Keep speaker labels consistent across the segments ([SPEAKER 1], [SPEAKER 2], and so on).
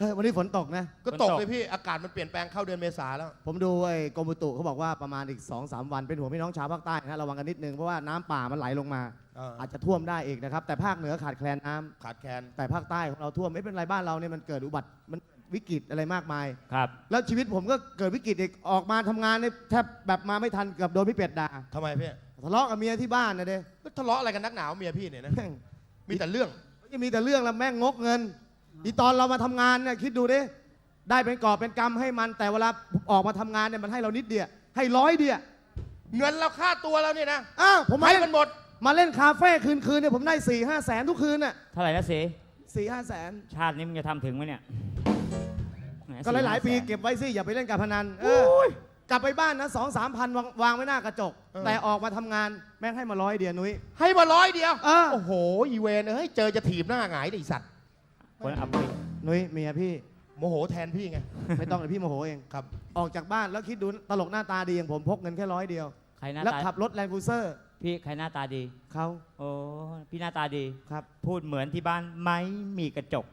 [SPEAKER 1] วันนี้ฝนตกนะ
[SPEAKER 2] ก็ตกเลยพี่อากาศมันเปลี่ยนแปลงเข้าเดือนเมษาแล้ว
[SPEAKER 1] ผมดูไอ้กรมอุตุเขาบอกว่าประมาณอีก 2-3 วันเป็นห่วงพี่น้องชาวภาคใต้นะระวังกันนิดนึงเพราะว่าน้ำป่ามันไหลลงมาอาจจะท่วมได้อีกนะครับแต่ภาคเหนือขาดแคลนน้ำ
[SPEAKER 2] ขาดแคลน
[SPEAKER 1] แต่ภาคใต้ของเราท่วมไม่เป็นไรบ้านเราเนี่ยมันเกิดอุบัติมันวิกฤตอะไรมากมาย
[SPEAKER 3] ครับ
[SPEAKER 1] แล้วชีวิตผมก็เกิดวิกฤตอีกออกมาทำงานเนี่ยแทบแบบมาไม่ทันเกือบโดนพี่เป็ดด่า
[SPEAKER 2] ทำไมพี่
[SPEAKER 1] ทะเลาะกับเมียที่บ้านนะเด้
[SPEAKER 2] ทะเลาะอะไรกันนักหนาวเมียพี่เนี่ยนะมีแต่เรื่อง
[SPEAKER 1] จะมีแต่เรื่องแล้วแม่งงกเงินอีตอนเรามาทำงานเนี่ยคิดดูดิได้เป็นกอบเป็นกำให้มันแต่เวลาออกมาทำงานเนี่ยมันให้เรานิดเดียวให้100เดียว
[SPEAKER 2] เงินเราค่าตัวเราเนี่ยนะ
[SPEAKER 1] ผม
[SPEAKER 2] ให้มันหมด
[SPEAKER 1] มาเล่นคาเฟ่คืนเนี่ยผมได้ 4-5 แสนทุกคืนน่ะ
[SPEAKER 3] เท่าไหร่นะสี
[SPEAKER 1] 4-5 แสน
[SPEAKER 3] ชาตินี้มึงจะทำถึงไหมเนี่ย
[SPEAKER 1] ก็หลายๆปีเก็บไว้สิอย่าไปเล่นการพนันกลับไปบ้านนะ2-3 พันวางไว้หน้ากระจกแต่ออกมาทำงานแม่งให้มา100เดียวนุ้ย
[SPEAKER 2] ให้มา100เดียวโอ้โหอีเวนเฮ้ยเจอจะถีบหน้าหงายไอ้สัตว์
[SPEAKER 3] คนอับปี
[SPEAKER 1] นุ้ยเมียพี่
[SPEAKER 2] โมโหแทนพี่ไง
[SPEAKER 1] ไม่ต้องเลยพี่โมโหเอง
[SPEAKER 2] ครับ
[SPEAKER 1] ออกจากบ้านแล้วคิดดูตลกหน้าตาดีอย่างผมพกเงินแค่100เดียว
[SPEAKER 3] ใครหน้า
[SPEAKER 1] แล้ว
[SPEAKER 3] ตา
[SPEAKER 1] ขับรถแลนด์ครูเซอร์
[SPEAKER 3] พี่ใครหน้าตาดี
[SPEAKER 1] เขา
[SPEAKER 3] โอ้พี่หน้าตาดี
[SPEAKER 1] ครับ
[SPEAKER 3] พูดเหมือนที่บ้านไม่มีกระจก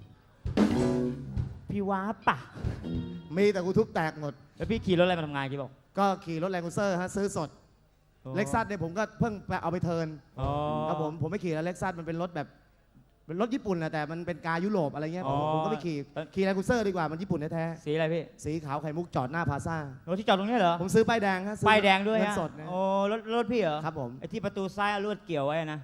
[SPEAKER 3] พี่ว้าป่ะ
[SPEAKER 1] มีแต่กูทุบแตกหมด
[SPEAKER 3] แล้วพี่ขี่รถอะไรมาทำงานกี่บอก
[SPEAKER 1] ก็ขี่รถแลนด์ครูเซอร์ฮะซื้อสดเล็กซัสเนี่ยผมก็เพิ่งไปเอาไปเทิร์นครับผมไม่ขี่แล้วเล็กซัสมันเป็นรถแบบเป็นรถญี่ปุ่นนะแต่มันเป็นกายุโรปอะไรเงี้ยผมก็ไม่ขี่แลนด์ครูเซอร์ดีกว่ามันญี่ปุ่นแท้
[SPEAKER 3] สีอะไรพี่
[SPEAKER 1] สีขาวไข่มุกจอดหน้าพาซ่าร
[SPEAKER 3] ถที่จอดตรงนี้เหรอ
[SPEAKER 1] ผมซื้อป้ายแดงฮะ
[SPEAKER 3] ป้ายแดงด้วย
[SPEAKER 1] ฮะสด
[SPEAKER 3] โอ้รถพี่เหรอ
[SPEAKER 1] ครับผม
[SPEAKER 3] ไอ้ที่ประตูซ้ายลวดเกี่ยวไว้นะ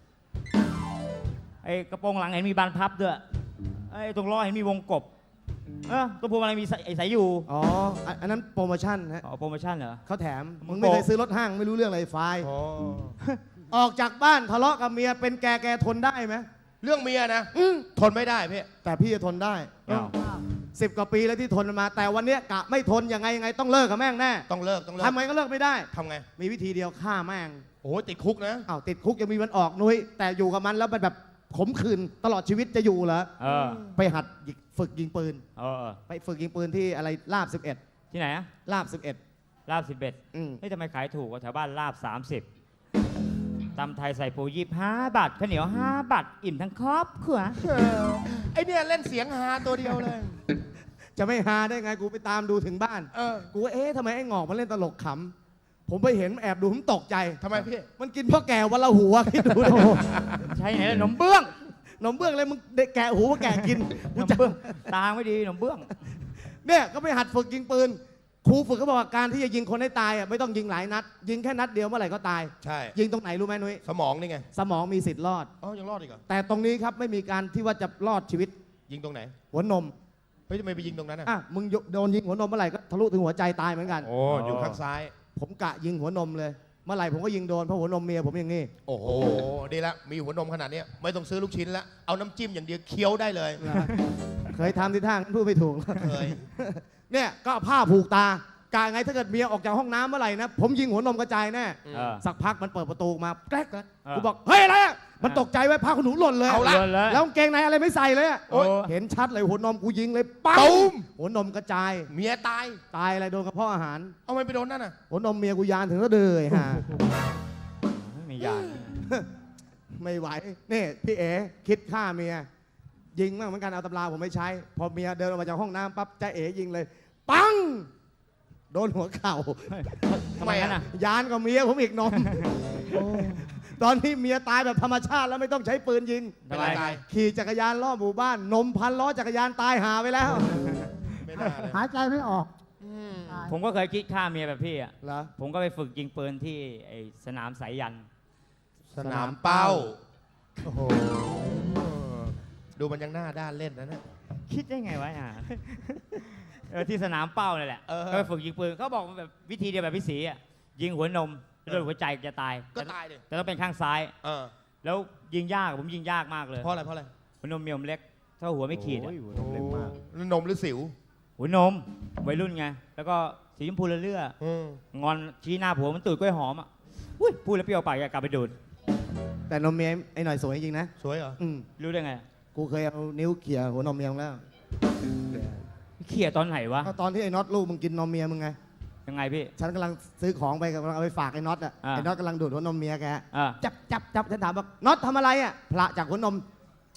[SPEAKER 3] ไอ้กระโปรงหลังเห็นมีบานพับด้วยไอ้ตรงล้อเห็นมีวงกบตัวพวงอะไรมีสายอยู่
[SPEAKER 1] อันนั้นโปรโมชั่นฮะ
[SPEAKER 3] โปรโมชั่นเหรอ
[SPEAKER 1] เขาแถมมึงไม่เคยซื้อรถห้างไม่รู้เรื่องอะไรไฟออกจากบ้านทะเลาะกับเมียเป็นแกทนได้ไหม
[SPEAKER 2] เรื่องเมียนะทนไม่ได้พี่
[SPEAKER 1] แต่พี่จะทนได้10 กว่าปีแล้วที่ทนมา แต่วันนี้กะไม่ทนยังไงต้องเลิกกับแม่งแน่
[SPEAKER 2] ต้องเลิก
[SPEAKER 1] ทำไงก็เลิกไม่ได้
[SPEAKER 2] ทำไง
[SPEAKER 1] มีวิธีเดียวฆ่าแม่ง
[SPEAKER 2] โอ้ติดคุกนะ
[SPEAKER 1] ติดคุกยังมีวันออกนุ้ยแต่อยู่กับมันแล้วมันแบบขมขื่นตลอดชีวิตจะอยู่เหรอไปหัดฝึกยิงปืนไปฝึกยิงปืนที่อะไรลาบ11
[SPEAKER 3] ที่ไหนอะ
[SPEAKER 1] ลาบ11
[SPEAKER 3] ลาบ11เฮ้ยทำไมขายถูกกว่าแถวบ้านลาบ30ตำไทยใส่ปู25 บาทข้าวเหนียว5 บาทอิ่มทั้งครอบครัว
[SPEAKER 2] ไอเนี่ยเล่นเสียงฮาตัวเดียวเลย
[SPEAKER 1] จะไม่ฮาได้ไงกูไปตามดูถึงบ้านกูว่าทำไมไอ้งอกมันเล่นตลกขำผมไปเห็นแอบดูผมตกใจ
[SPEAKER 2] ทำไมพี่
[SPEAKER 1] มันกินพ่อแก่วันละหัวคิดดู
[SPEAKER 3] ใช่ไหนล่ะนมเบื้อง
[SPEAKER 1] เลยมึงเด็กแก่หูมาแก่กิน
[SPEAKER 3] นมเบื้องตาไม่ดีนมเบื้อง
[SPEAKER 1] เนี่ยก็ไปหัดฝึกยิงปืนครูฝึกเขาบอกว่าการที่จะยิงคนให้ตายไม่ต้องยิงหลายนัดยิงแค่นัดเดียวเมื่อไหร่ก็ตาย
[SPEAKER 2] ใช่
[SPEAKER 1] ยิงตรงไหนรู้ไหมนุ้ย
[SPEAKER 2] สมองนี่ไง
[SPEAKER 1] สมองมีสิทธิ์รอด
[SPEAKER 2] ยังรอดอีกเหรอ
[SPEAKER 1] แต่ตรงนี้ครับไม่มีการที่ว่าจะรอดชีวิต
[SPEAKER 2] ยิงตรงไหน
[SPEAKER 1] หัวนม
[SPEAKER 2] เฮ้ยทำไมไปยิงตรงนั้น
[SPEAKER 1] มึงโดนยิงหัวนมเมื่อไหร่ก็ทะลุถึงหัวใจตายเหมือนกัน
[SPEAKER 2] อยู่ข้างซ้าย
[SPEAKER 1] ผมกะยิงหัวนมเลยเมื่อไหร่ผมก็ยิงโดนเพราะหัวนมเมียผมอย่างนี้
[SPEAKER 2] โอ้โหดีละมีหัวนมขนาดนี้ไม่ต้องซื้อลูกชิ้นละเอาน้ำจิ้มอย่างเดียวเคี้ยวได้เลย
[SPEAKER 1] เคยทำที่ทางพูดไม่ถูก
[SPEAKER 2] เคย
[SPEAKER 1] เนี่ยก็ผ้าผูกตากะไงถ้าเกิดเมียออกจากห้องน้ำเมื่อไหร่นะผมยิงหัวนมกระจายแน่สักพักมันเปิดประตูมาแกล้กกูบอกเฮ้ยอะไรมันตกใจไว้ผ้าขนหนูหล่นเลยแล้วเกงในอะไรไม่ใส่เลยเห็นชัดเลยหัวนมกูยิงเลยปั๊มหัวนมกระจาย
[SPEAKER 2] เมียต
[SPEAKER 1] ายอะไรโดนกระเพาะอาหาร
[SPEAKER 2] เอาไม่ไปโดนนั่นน่ะ
[SPEAKER 1] หัวนมเมียกูยานถึงก็เดือยฮะ
[SPEAKER 3] ไม่ยาน
[SPEAKER 1] ไม่ไหวนี่พี่เอ๋คิดฆ่าเมียยิงมากเหมือนกันเอาตำราผมไม่ใช้พอเมียเดินออกมาจากห้องน้ำปั๊บจะเอ๋ยิงเลยปังโดนหัวเข่า
[SPEAKER 3] ทำไมน่ะ
[SPEAKER 1] ยานกับเมียผมอีกนมตอนที่เมียตายแบบธรรมชาติแล้วไม่ต้องใช้ปืนยิงขี่จักรยานล้อหมู่บ้านนมพันล้อจักรยานตายหาไปแล้ว
[SPEAKER 4] หายใจไม่ออก
[SPEAKER 3] ผมก็เคยคิดฆ่าเมียแบบพี่อ่ะ
[SPEAKER 1] เหรอ
[SPEAKER 3] ผมก็ไปฝึกยิงปืนที่ไอ้สนามสายยัน
[SPEAKER 2] สนามเป้าโอ้โหดูมันยังหน้าด้านเล่นนะเนี่ย
[SPEAKER 3] คิดได้ไงวะที่สนามเป้าเลยแหละก็ไปฝึกยิงปืนเขาบอกแบบวิธีเดียวแบบพี่ศรีอ่ะยิงหัวนมโดนหัวใจจะตาย
[SPEAKER 2] ก็ตายดิ
[SPEAKER 3] แต่ต้องเป็นข้างซ้ายแล้วยิงยากผมยิงยากมากเลย
[SPEAKER 2] เพราะอะไร
[SPEAKER 3] หัวนมเมียมเล็กเท่าหัวไม่ขีด
[SPEAKER 1] หัวนมเล็กมาก
[SPEAKER 2] นมหรือสิว
[SPEAKER 3] หัวนมวัยรุ่นไงแล้วก็สีชมพูเลื่อยงอนชี้หน้าผัวมันตื่นกล้วยหอมอ่ะพูดแล้วเปรี้ยวปากอยากกลับไปดูด
[SPEAKER 1] แต่นมเมียไอ้หน่อยสวยจริงนะ
[SPEAKER 2] สวยเหรอ
[SPEAKER 3] รู้ได้ไง
[SPEAKER 1] กูเคยเอานิ้วเขี่ยหัวนมเมียแล้ว
[SPEAKER 3] เขี่ยตอนไหนวะ
[SPEAKER 1] ตอนที่ไอ้น็อตลูกมึงกินนมเมียมึงไง
[SPEAKER 3] ยังไงพี่
[SPEAKER 1] ฉันกำลังซื้อของไปกำลังเอาไปฝากไอ้น็อตไอ้น็อตกำลังดูดหัวนมเมียแกจับฉันถามว่าน็อตทำอะไรพระจากหัวนม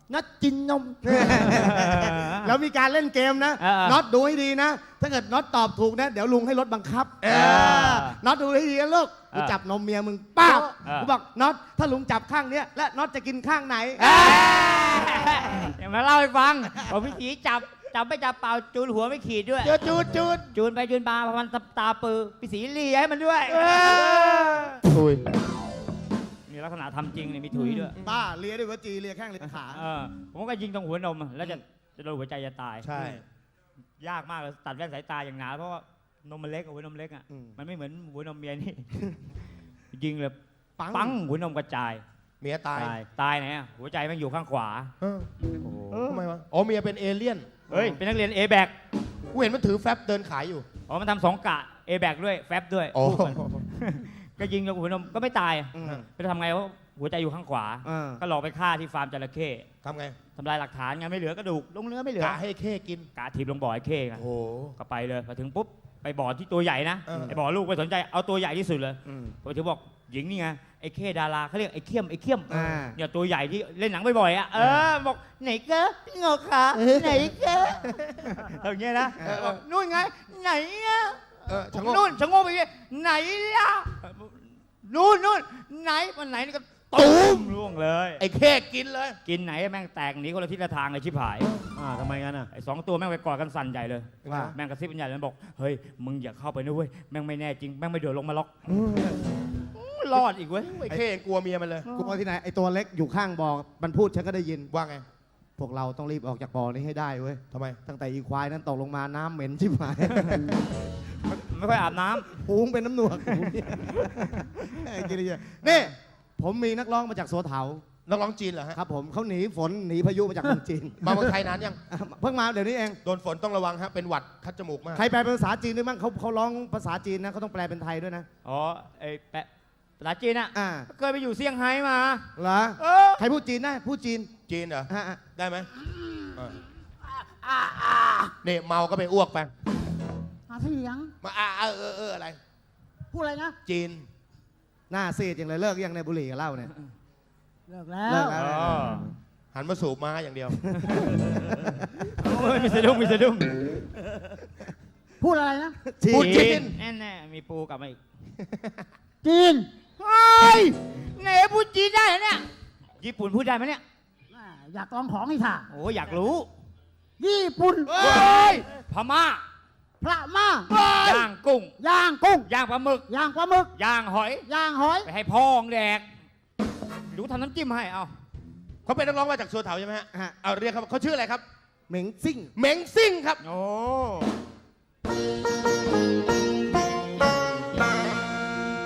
[SPEAKER 4] นัดกินนม
[SPEAKER 1] แล้วมีการเล่นเกมนะ น็อตดูให้ดีนะ ถ้าเกิดน็อตตอบถูกนะ เดี๋ยวลุงให้รถบังคับน็อตดูให้ดีนะลูกกูจับนมเมียมึงป้าบกูบอกน็อตถ้าลุงจับข้างเนี้ยและน็อตจะกินข้างไหน
[SPEAKER 3] เดี๋ยวมาเล่าให้ฟังบอกพี่สีจับไม่จับเปล่าจูนหัวไม่ขีดด้วย จูนไปจูนมาพอมันตาปือพี่สีเลียให้มันด้วย
[SPEAKER 2] ถุย
[SPEAKER 3] มีลักษณะทำจริงเนี่ยมีถุยด้วย
[SPEAKER 1] บ้าเลียด้วยวจีเลียแข้งเลียขา
[SPEAKER 3] ผมก็ยิงตรงหัวนมแล้วจะโดนหัวใจจะตาย
[SPEAKER 2] ใช่
[SPEAKER 3] ยากมากเลยตัดแว่นสายตาอย่างหนาเพราะว่านมมันเล็กหัวนมเล็กอ่ะมันไม่เหมือนหัวนมเมียนี่ ยิงเลยปังหัวนมกระจาย
[SPEAKER 2] เมียตาย
[SPEAKER 3] ตายไหนอ่ะหัวใจมันอยู่ข้างขวา
[SPEAKER 2] ทำไมวะอ๋อเมียเป็นเอเลี่ยน
[SPEAKER 3] เฮ้ยเป็นนักเรียน A แบก
[SPEAKER 2] กูเห็นมันถือแฟบเดินขายอยู่
[SPEAKER 3] อ๋อมันทำ2 กะ A แบกด้วยแฟบด้วย
[SPEAKER 2] อ๋อ
[SPEAKER 3] คู่กัน ก็ยิงลงหัวนมก็ไม่ตายไปทำไงวะหัวใจอยู่ข้างขวา ก็หลอกไปฆ่าที่ฟาร์มจระเข้
[SPEAKER 2] ทำไง
[SPEAKER 3] ทำลายหลักฐานไงไม่เหลือกระดูกลงเนื้อไม่เหลือก
[SPEAKER 2] ะให้เข้กิน
[SPEAKER 3] กะถีบลงบ่อไอ้เข้ไง
[SPEAKER 2] โอ้โห
[SPEAKER 3] ก็ไปเลยพอถึงปุ๊บไปบ่อที่ตัวใหญ่นะ ไอ้บ่อลูกไม่สนใจเอาตัวใหญ่ที่สุดเลยพอถึงบอกหญิงนี่ไงไอ้เข้ดาราเขาเรียกไอ้เขี้ยมเนี่ยตัวใหญ่ที่เล่นหนังบ่อยๆอ่ะบอกไหนเก้พี่งอขาไหนเก้อย่างเงี้ยนะบอกนู่นไงไหนอ่ะ
[SPEAKER 2] ชะโงก
[SPEAKER 3] นู่นชะโงกไปไหนล่ะนู่นไหนมันไหนนี่ก็
[SPEAKER 2] ตูม
[SPEAKER 3] ร่วงเลย
[SPEAKER 2] ไอ้เข้กินเลย
[SPEAKER 3] กินไหนแม่งแตกหนีคนละทิศละทางเลยชิบหาย
[SPEAKER 1] ทำไมงั้นอ่ะ
[SPEAKER 3] ไอ้2 ตัวแม่งไปกอดกันสั่นใหญ่เลย
[SPEAKER 1] ว่า
[SPEAKER 3] แม่งกระซิบกันใหญ่เลยบอกเฮ้ยมึงอย่าเข้าไปนะเว้ยแม่งไม่แน่จริงแม่งไม่เดือดลงมาล็อกรอดอีกเว้ย
[SPEAKER 2] ไอ้เข้ยังกลัวเมียมันเลย
[SPEAKER 1] กูว่าที่ไหนไอตัวเล็กอยู่ข้างบ่อมันพูดฉันก็ได้ยิน
[SPEAKER 2] ว่าไง
[SPEAKER 1] พวกเราต้องรีบออกจากบ่อนี้ให้ได้เว้ย
[SPEAKER 2] ทำไม
[SPEAKER 1] ตั้งแต่อีควายนั้นตกลงมาน้ำเหม็นชิบหาย
[SPEAKER 3] ไม่ค่อยอาบน้ำ
[SPEAKER 1] หูงเป็นน้ำหนวกไอ้กิริยานี่ผมมีนักร้องมาจากโซเถา
[SPEAKER 2] นักร้องจีนเหรอฮะ
[SPEAKER 1] ครับผมเขาหนีฝนหนีพายุมาจากเมืองจีน
[SPEAKER 2] มาเมืองไทยนานยัง
[SPEAKER 1] เพิ่งมาเดี๋ยวนี้เอง
[SPEAKER 2] โดนฝนต้องระวังฮะ เป็นหวัดคัดจมูกมาก
[SPEAKER 1] ใครแปลเป็นภาษาจีนด้วยมั้งเขาร้องภาษาจีนนะเขาต้องแปลเป็นไทยด้วยนะ
[SPEAKER 3] อ๋อไอ้แปะภาษาจีนอ่ะ
[SPEAKER 1] อ่า
[SPEAKER 3] เคยไปอยู่เซี่ยงไฮ้มา
[SPEAKER 1] เหรอ
[SPEAKER 3] เออ
[SPEAKER 1] ใครพูดจีนได้พูดจีน
[SPEAKER 2] จีนเหรอ
[SPEAKER 1] อ่ะ
[SPEAKER 2] ได้ไหมเนี่ยเมาก็ไปอ้วกไป
[SPEAKER 4] หาเสียง
[SPEAKER 2] มาอะไร
[SPEAKER 4] พูดอะไรนะ
[SPEAKER 2] จีน
[SPEAKER 1] หน้าซีดอย่างเลยเลิกยังในบุหรี่กับเหล้าเนี่ย
[SPEAKER 4] เลิกแล้ว
[SPEAKER 1] เลิกแล้ว
[SPEAKER 3] อ๋อ
[SPEAKER 2] หันมาสูบม้าอย่างเดียว
[SPEAKER 3] โอ้ยมีสะดุ้งมีสะดุ้ง
[SPEAKER 4] พูดอะไรนะ
[SPEAKER 2] พูดจีน
[SPEAKER 3] แน่ๆมีปูกลับมาอีก
[SPEAKER 4] จีน
[SPEAKER 3] เฮ้ยไหนพูดจีนได้เหรอเนี่ยญี่ปุ่นพูดได้ไหมเนี่ย
[SPEAKER 4] อยากลองของอีกค่ะ
[SPEAKER 3] โอ้อยากรู้
[SPEAKER 4] ญี่ปุ่น
[SPEAKER 3] พม่า
[SPEAKER 4] พระม่า
[SPEAKER 3] ย่างกุ้ง
[SPEAKER 4] ย่างกุ้ง
[SPEAKER 3] ย่างปลาหมึก
[SPEAKER 4] ย่างปลาหมึก
[SPEAKER 3] ย่างหอย
[SPEAKER 4] ย่างหอย
[SPEAKER 3] ไปให้พ่องแดกดูทำน้ำจิ้มให้เอา
[SPEAKER 2] เขาเป็นนักร้องมาจากสัวเถาใช่ไหมฮะ
[SPEAKER 1] ฮะ
[SPEAKER 2] เอาเรียกเขาชื่ออะไรครับ
[SPEAKER 1] เหม็งซิ่ง
[SPEAKER 2] เหม็งซิ่งครับ
[SPEAKER 3] โอ้